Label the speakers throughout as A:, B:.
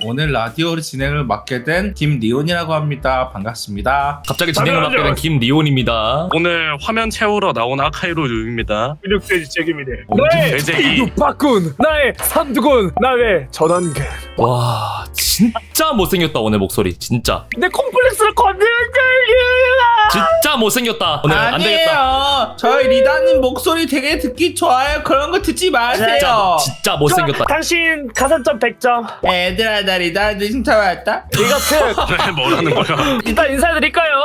A: 오늘 라디오를 진행을 맡게 된 김리온이라고 합니다. 반갑습니다.
B: 갑자기 진행을 맡게 된 김리온입니다.
C: 오늘 화면 채우러 나온 아카이로 유입니다.
D: 근육돼지 책임이네.
C: 네,
D: 나의
C: 돼지.
D: 육박군, 나의 삼두군, 나의 전원근.
B: 와 진짜 못생겼다 오늘 목소리 진짜.
D: 내 콤플렉스를 건드렸다.
B: 진짜 못생겼다 오늘. 안 되겠다.
A: 아니에요. 저희 리다님 목소리 되게 듣기 좋아요. 그런 거 듣지 마세요.
B: 진짜 못생겼다.
D: 당신 가산점 100점.
A: 얘들아 나 리다한테 신청 왔다.
D: 이것은
C: 왜 뭐라는 거야?
D: 일단 인사드릴까요?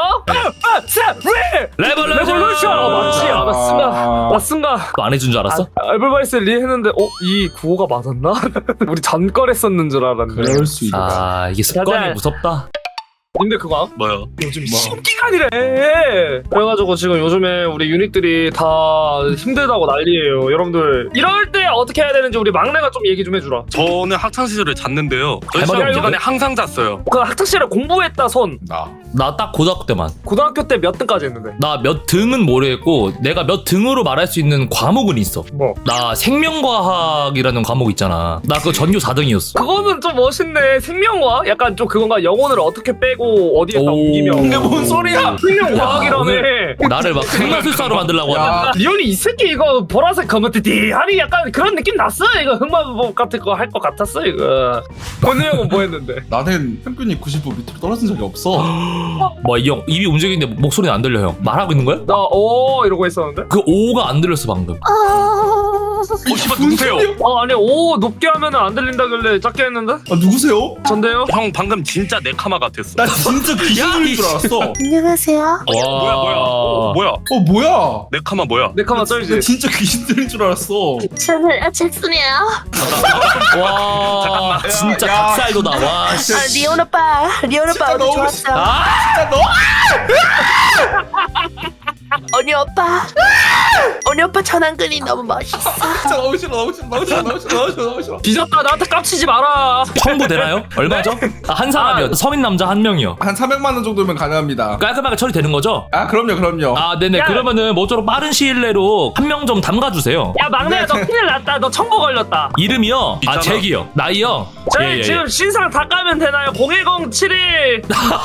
B: 레볼루션.
D: 맞지? 나 쓴가.
B: 안 해준 줄 알았어?
D: 에블바이스 리 했는데 이 구호가 맞았나? 우리 전거랬었는 줄 알았네.
A: 그럴 수 있다.
B: 아 이게 습관이
D: 가자.
B: 무섭다.
D: 근데 그거
C: 뭐요?
D: 요즘 신기간이래. 그래가지고 지금 요즘에 우리 유닛들이 다 힘들다고 난리예요. 여러분들 이럴 때 어떻게 해야 되는지 우리 막내가 좀 얘기 좀 해주라.
C: 저는 학창 시절을 잤는데요. 저희
B: 할 말이
C: 시험
B: 없는데?
C: 기간에 항상 잤어요.
D: 그 학창시절에 공부했다 손.
B: 나 딱 고등학교 때만.
D: 고등학교 때 몇 등까지 했는데?
B: 나 몇 등은 모르겠고 내가 몇 등으로 말할 수 있는 과목은 있어.
D: 뭐?
B: 나 생명과학이라는 과목 있잖아. 나 그거 전교 4등이었어.
D: 그거는 좀 멋있네. 생명과 약간 좀 그건가. 영혼을 어떻게 빼고 어디에다
B: 오.
D: 옮기면.
A: 이게 뭔 소리야?
D: 생명과학이라며.
B: 오늘 나를 막 흑마술사로 만들려고
A: 야.
B: 하네.
D: 리온이 이 새끼 이거 보라색 검은띠 아니 약간 그런 느낌 났어. 이거 흑마법 같은 거 할 것 같았어 이거. 권우 형은 뭐 했는데?
A: 나는 평균이 90도 밑으로 떨어진 적이 없어.
B: 뭐 이 형 입이 움직이는데 목소리는 안 들려 형. 말하고 있는 거야?
D: 나 이러고 있었는데?
B: 그 오가 안 들렸어 방금.
C: 씨발 누구세요?
D: 아니 높게 하면은 안 들린다길래 작게 했는데?
A: 아 누구세요?
D: 전데요?
C: 형 방금 진짜 네카마 같았어.
A: 나 진짜 귀신 들린 줄 알았어.
E: 안녕하세요.
C: 뭐야?
A: 뭐야?
C: 네카마 뭐야?
D: 네카마
A: 나
D: 쩔지.
A: 진짜 귀신 들린 줄 알았어.
E: 저는 잭슨이에요.
B: 와
C: 잠깐만.
B: 진짜
A: 야, 야.
B: 닭살도다. 와 씨.
E: 리온 오빠
A: 진짜
E: 오늘
A: 너무
E: 좋았어.
A: 진짜 너
E: 언니 오빠. 언니 오빠 전환근이 너무 멋있어.
A: 진짜 너무 싫어 너무 싫어 너무 싫어 너무 싫어 너무 싫어 너무 싫어.
D: 뒤졌다. 나한테 깝치지 마라.
B: 청구 되나요? 얼마죠? 한 사람이요. 서민 남자 한 명이요.
A: 한 300만 원 정도면 가능합니다.
B: 깔끔하게 처리되는 거죠?
A: 아 그럼요.
B: 아 네네.
D: 야.
B: 그러면은 모쪼록 빠른 시일 내로 한 명 좀 담가주세요.
D: 야 막내야 너 큰일 났다. 너 청구 걸렸다.
B: 이름이요? 아
C: 있잖아.
B: 잭이요. 나이요?
D: 저희 지금 신상 다 까면 되나요? 01071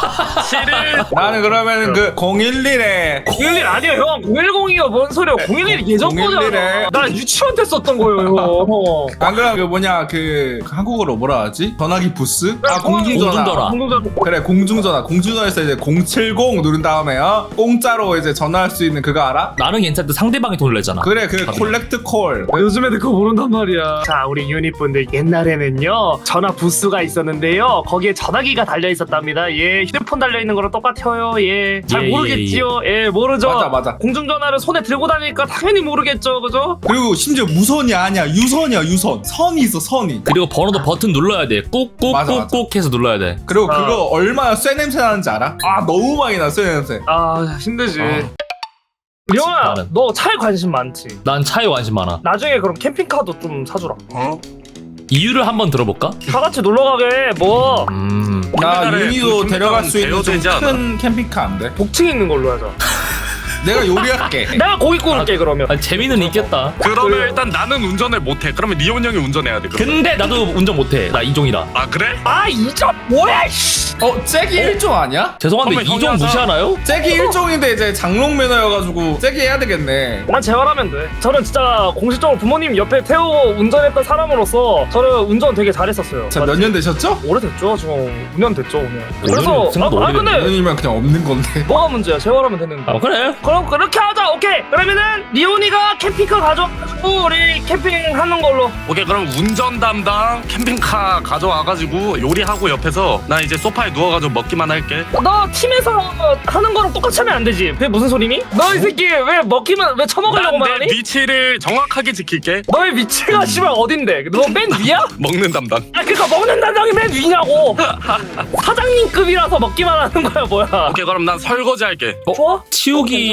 D: 71
A: 나는 그러면 그 011에
D: 011 아니에요 형. 010이요. 뭔 소리야. 011이 예전
A: 011 에.
D: 거잖아. 나 유치원 때 썼던 거예요 형.
A: 안 그러면 그 뭐냐 그 한국어로 뭐라 하지? 전화기 부스? 아 공중전화.
B: 공중전화.
A: 그래 공중전화에서 이제 070 누른 다음에 공짜로 이제 전화할 수 있는 그거 알아?
B: 나는 괜찮은데 상대방이 돈을 내잖아.
A: 그래 그 콜렉트 콜.
D: 요즘 애들 그거 모른단 말이야. 자, 우리 유닛분들 옛날에는요 전화 부스가 있었는데요. 거기에 전화기가 달려 있었답니다. 예, 휴대폰 달려 있는 거랑 똑같아요. 예, 잘
B: 예,
D: 모르겠지요. 예, 모르죠.
A: 맞아.
D: 공중전화를 손에 들고 다니니까 당연히 모르겠죠, 그죠?
A: 그리고 심지어 무선이 아니야 유선이야 유선. 선이 있어 선이.
B: 그리고 번호도 버튼 눌러야 돼.
A: 맞아.
B: 꾹꾹꾹꾹 해서 눌러야 돼.
A: 그리고
D: 아.
A: 그거 얼마나 쇠 냄새 나는지 알아? 아 너무 많이 나 쇠 냄새.
D: 아, 힘들지.
A: 어.
D: 리온아,
B: 나는.
D: 너 차에 관심 많지?
B: 난 차에 관심 많아.
D: 나중에 그럼 캠핑카도 좀 사주라.
B: 이유를 한번 들어볼까?
D: 다 같이 놀러 가게. 뭐
A: 나
C: 우리나라에
A: 윤희도
C: 그
A: 데려갈 수 있는 좀
C: 대여되지 않아?
A: 큰 캠핑카 안 돼?
D: 복층 있는 걸로 하자.
A: 내가 요리할게.
D: 내가 고기 구울게 그러면.
B: 아니, 재미는 있겠다.
C: 그러면
D: 그래.
C: 일단 나는 운전을 못해. 그러면 리온 형이 운전해야 돼. 그럼.
B: 근데 나도 운전 못해. 나 이종이라.
C: 아 그래?
D: 아, 이점 뭐야? 씨.
A: 잭이 1종 아니야?
B: 죄송한데
C: 그러면
B: 이종
C: 형이 하자.
B: 무시하나요?
A: 잭이 1종인데 이제 장롱 매너여가지고 잭이 해야 되겠네.
D: 난 재활하면 돼. 저는 진짜 공식적으로 부모님 옆에 태우고 운전했던 사람으로서 저는 운전 되게 잘했었어요.
A: 자 몇 년 되셨죠?
D: 오래됐죠. 지금 5년 됐죠 오늘.
B: 5년이면 생각보다
D: 근데
A: 5년이면 그냥 없는 건데.
D: 뭐가 문제야? 재활하면 됐는데.
B: 아 그래?
D: 그럼 그렇게 하자. 오케이. 그러면은 리온이가 캠핑카 가져와가지고 우리 캠핑하는 걸로.
C: 오케이 그럼 운전 담당 캠핑카 가져와가지고 요리하고 옆에서 나 이제 소파에 누워가지고 먹기만 할게.
D: 너 팀에서 하는 거랑 똑같이 하면 안 되지. 그게 무슨 소리니? 너 이 새끼 왜 먹기만 왜 처먹으려고만
C: 난 내
D: 하니?
C: 위치를 정확하게 지킬게.
D: 너의 위치가 씨발 어딘데? 너 맨 위야?
C: 먹는 담당.
D: 아 그니까 먹는 담당이 맨 위냐고. 사장님급이라서 먹기만 하는 거야 뭐야?
C: 오케이 그럼 난 설거지 할게.
D: 좋아?
B: 치우기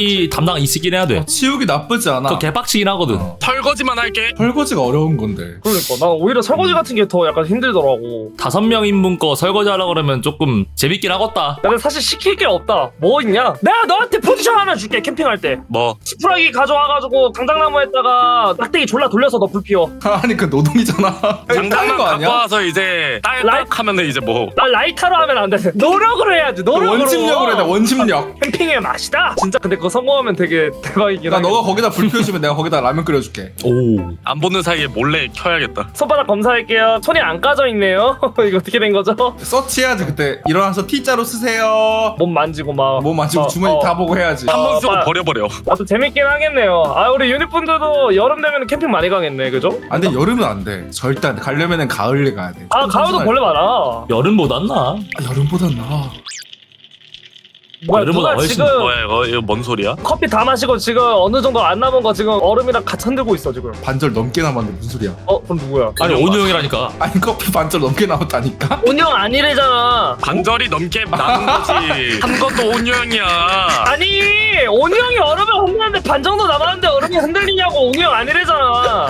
B: 치우기 담당 있긴 해야 돼.
A: 치우기 나쁘지 않아.
B: 그거 개빡치긴 하거든.
C: 설거지만 할게.
A: 설거지가 어려운 건데.
D: 그러니까 난 오히려 설거지 같은 게 더 약간 힘들더라고.
B: 5명 인분 거 설거지 하려고 그러면 조금 재밌긴 하겠다.
D: 근데 사실 시킬 게 없다. 뭐 있냐? 내가 너한테 포지션 하나 줄게. 캠핑할 때
C: 뭐
D: 지푸라기 가져와가지고 강당나무에다가 막대기 졸라 돌려서 너 불 피워.
A: 아니 그 노동이잖아.
C: 장난만
A: 거
C: 갖고
A: 아니야?
C: 와서 이제 딸딱 하면은 이제 뭐
D: 나 라이터로 하면 안 돼. 노력을 해야지. 노력으로.
A: 원심력으로 해야 돼. 원심력.
D: 캠핑의 맛이다. 진짜 근데 그거 성공하면 되게 대박이긴
A: 나
D: 하겠다.
A: 너가 거기다 불 피워주면 내가 거기다 라면 끓여줄게.
B: 오.
C: 안 보는 사이에 몰래 켜야겠다.
D: 손바닥 검사할게요. 손이 안 까져 있네요. 이거 어떻게 된 거죠?
A: 서치해야지 그때. 일어나서 T자로 쓰세요.
D: 몸 만지고 막.
A: 몸 만지고 주머니 다 보고 해야지.
C: 한 번 쓰고
D: 빨리.
C: 버려버려.
D: 아또 재밌긴 하겠네요. 아 우리 유닛분들도 여름 되면 캠핑 많이 가겠네, 그죠?
A: 아 근데 여름은 안 돼. 절대 안 돼. 가려면은 가을에 가야 돼.
D: 아 가을도 벌레 많아.
B: 여름보단 나.
A: 아, 여름보단 나아.
D: 뭐야
B: 여름보다
D: 누가
B: 훨씬
D: 지금
C: 뭐야 이거 뭔 소리야?
D: 커피 다 마시고 지금 어느 정도 안 남은 거 지금 얼음이랑 같이 흔들고 있어 지금.
A: 반절 넘게 남았는데 무슨 소리야?
D: 그럼 누구야?
B: 아니 온유 형이라니까.
A: 아니 커피 반절 넘게 남았다니까?
D: 운영 아니래잖아.
C: 반절이 넘게 남은 거지. 한 것도 온유형이야.
D: 아니 온유 형이 얼음을 흔드는데 반 정도 남았는데 얼음이 흔들리냐고. 온유 형 아니래잖아.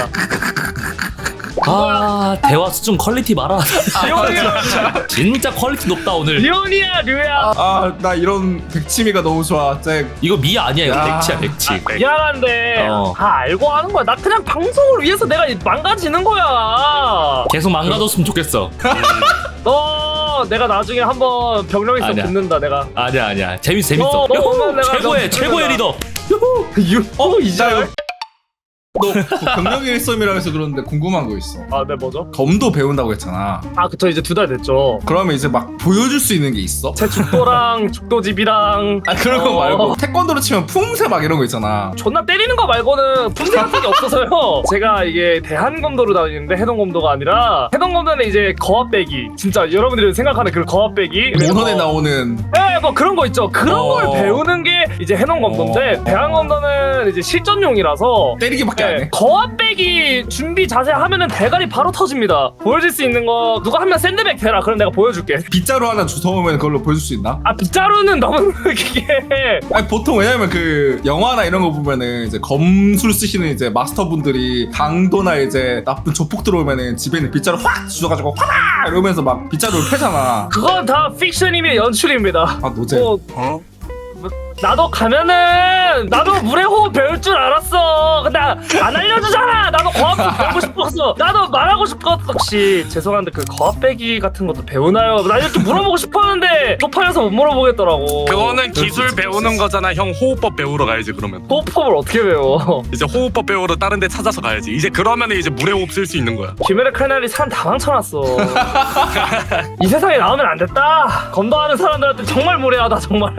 B: 아 대화 수준 퀄리티 봐라.
D: 리온이야.
B: 진짜 퀄리티 높다 오늘.
D: 리온이야 류야.
A: 아 나 이런 백치미가 너무 좋아. 쟤
B: 이거 미 아니야 이거
A: 야.
B: 백치야 백치.
D: 미안한데 다 알고 하는 거야. 나 그냥 방송을 위해서 내가 망가지는 거야.
B: 계속 망가졌으면 좋겠어.
D: 너 내가 나중에 한번 병력 있어
B: 아니야.
D: 붙는다 내가.
B: 아니야 재밌어.
D: 너 오면 내가
B: 최고의
D: 너
B: 최고의 리더.
D: 이자요?
A: 너 경력 일섬이라고 해서 그러는데 궁금한 거 있어.
D: 아, 네 뭐죠?
A: 검도 배운다고 했잖아.
D: 아, 그쵸 이제 2달 됐죠.
A: 그러면 이제 막 보여줄 수 있는 게 있어?
D: 제 죽도랑 죽도집이랑
A: 아 그런 거 말고 태권도로 치면 품새 막 이런 거 있잖아.
D: 존나 때리는 거 말고는 분쇄 같은 게 없어서요. 제가 이게 대한검도로 다니는데 해동검도가 아니라 해동검도는 이제 거압배기. 진짜 여러분들이 생각하는 그 거압배기.
A: 모선에 나오는
D: 네, 뭐 그런 거 있죠. 그런 걸 배우는 게 이제 해동검도인데 대한검도는 이제 실전용이라서
A: 때리기밖에 안 해.
D: 거압배기 준비 자세 하면은 대가리 바로 터집니다. 보여줄 수 있는 거 누가 하면 샌드백 대라. 그럼 내가 보여줄게.
A: 빗자루 하나 주워오면 그걸로 보여줄 수 있나?
D: 아 빗자루는 너무 그게
A: 아니 보통 왜냐면 그 영화나 이런 거 보면은 이제 검술 쓰시는 이제 마스터분들이 강도나 이제 나쁜 조폭 들어오면은 집에 있는 빗자루 확 주워가지고 화라 이러면서 막 빗자루를 패잖아.
D: 그건 다 픽션이며 연출입니다.
A: 아 노제.
D: 뭐, 나도 가면은 나도 물의 호흡 배울 줄 알았어. 근데 안 알려주잖아. 나도 거압 배우고 싶었어. 나도 말하고 싶었어. 혹시 죄송한데 그 거압 빼기 같은 것도 배우나요? 나 이렇게 물어보고 싶었는데 쪽팔려서 못 물어보겠더라고.
C: 그거는 기술 배우는 거잖아. 형 호흡법 배우러 가야지 그러면.
D: 호흡법을 어떻게 배워?
C: 이제 호흡법 배우러 다른 데 찾아서 가야지. 이제 그러면 이제 물의 호흡 쓸 수 있는 거야.
D: 김연의 칼날이 사람 다 망쳐놨어. 이 세상에 나오면 안 됐다. 검도하는 사람들한테 정말 무례하다 정말.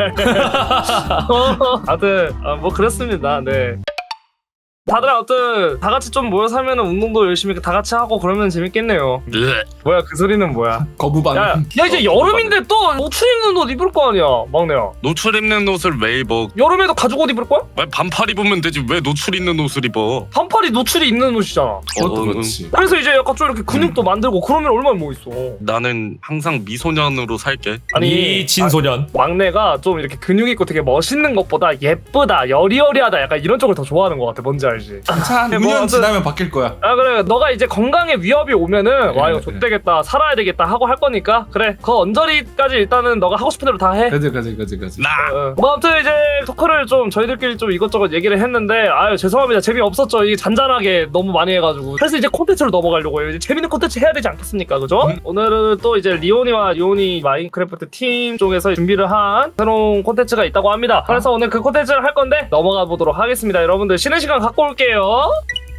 D: 다들 뭐 그렇습니다. 네. 다들 아무튼 다 같이 좀 모여 살면은 운동도 열심히 다 같이 하고 그러면 재밌겠네요. 뭐야 그 소리는 뭐야?
A: 거부반.
D: 야 이제 여름인데 또 노출 입는 옷 입을 거 아니야, 막내야.
C: 노출 입는 옷을 왜 입어?
D: 여름에도 가죽 옷 입을 거야?
C: 왜 반팔 입으면 되지 왜 노출 있는 옷을 입어?
D: 반팔이 노출이 있는 옷이잖아.
A: 그것도 그렇지.
D: 그래서 이제 약간 좀 이렇게 근육도 만들고 그러면 얼마나 뭐 있어.
C: 나는 항상 미소년으로 살게.
B: 미친 소년.
D: 막내가 좀 이렇게 근육 있고 되게 멋있는 것보다 예쁘다, 여리여리하다 약간 이런 쪽을 더 좋아하는 것 같아. 뭔지 알지?
A: 한
D: 뭐
A: 5년
D: 아무튼-
A: 지나면 바뀔 거야.
D: 아 그래 너가 이제 건강에 위협이 오면은 와 이거
A: 그래.
D: 좆되겠다 살아야 되겠다 하고 할 거니까 그래 그 언저리까지 일단은 너가 하고 싶은 대로 다 해.
A: 그지.
C: 나
D: 뭐 아무튼 이제 토크를 좀 저희들끼리 좀 이것저것 얘기를 했는데 아유 죄송합니다 재미없었죠. 이게 잔잔하게 너무 많이 해가지고 그래서 이제 콘텐츠로 넘어가려고 해요. 이제 재밌는 콘텐츠 해야 되지 않겠습니까, 그죠? 오늘은 또 이제 리오니와 요니 마인크래프트 팀 쪽에서 준비를 한 새로운 콘텐츠가 있다고 합니다. 그래서 오늘 그 콘텐츠를 할 건데 넘어가 보도록 하겠습니다. 여러분들 쉬는 시간 갖고 올게요.